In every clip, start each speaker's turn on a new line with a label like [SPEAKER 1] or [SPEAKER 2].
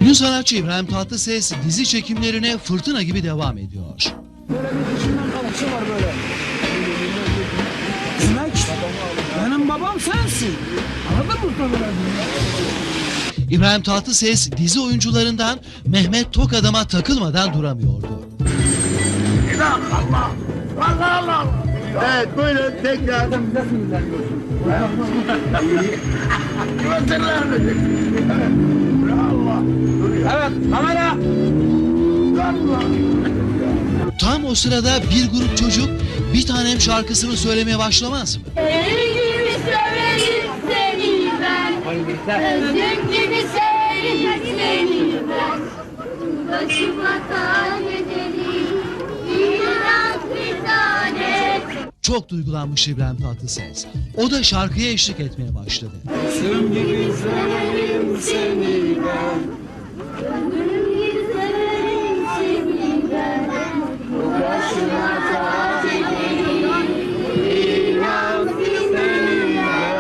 [SPEAKER 1] Ünlü sanatçı İbrahim Tatlıses dizi çekimlerine fırtına gibi devam ediyor.
[SPEAKER 2] Böyle bir dişinden kalışı var böyle. Demek benim babam sensin. Anladın mı?
[SPEAKER 1] İbrahim Tatlıses dizi oyuncularından Mehmet Tokadam'a takılmadan duramıyordu.
[SPEAKER 3] Allah! Allah Allah! Evet buyurun tekrar.
[SPEAKER 2] Evet, kamera.
[SPEAKER 1] Tam o sırada bir grup çocuk Bir Tanem şarkısını söylemeye başlamaz mı?
[SPEAKER 4] Senin gibi severim seni ben. Özüm gibi severim seni ben. Başıma tane ederim. İnan bir tane.
[SPEAKER 1] Çok duygulanmış İbrahim Tatlıses. O da şarkıya eşlik etmeye başladı.
[SPEAKER 2] Özüm gibi severim seni ben.
[SPEAKER 4] Özüm gibi severim seni ben. Başıma tane ederim. İnan bir tane.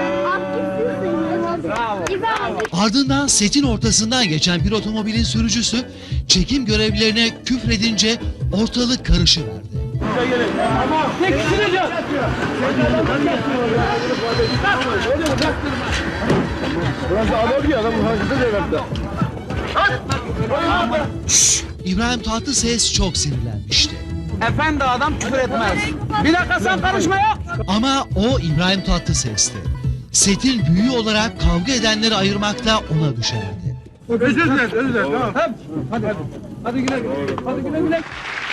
[SPEAKER 2] Bravo.
[SPEAKER 1] Ardından setin ortasından geçen bir otomobilin sürücüsü çekim görevlilerine küfredince ortalık karışıverdi.
[SPEAKER 2] Tek süreceğiz.
[SPEAKER 3] Burası adam ki adamın hareketi de verdi.
[SPEAKER 1] İbrahim Tatlıses çok sinirlenmişti.
[SPEAKER 2] Efendi adam küfür etmez. Bir dakika sen karışma ya.
[SPEAKER 1] Ama o İbrahim Tatlıses'ti. Setin büyüğü olarak kavga edenleri ayırmak da ona düşerdi.
[SPEAKER 3] Özür dilerim, özür dilerim. Tamam.
[SPEAKER 2] Hadi güle güle. Hadi güle güle.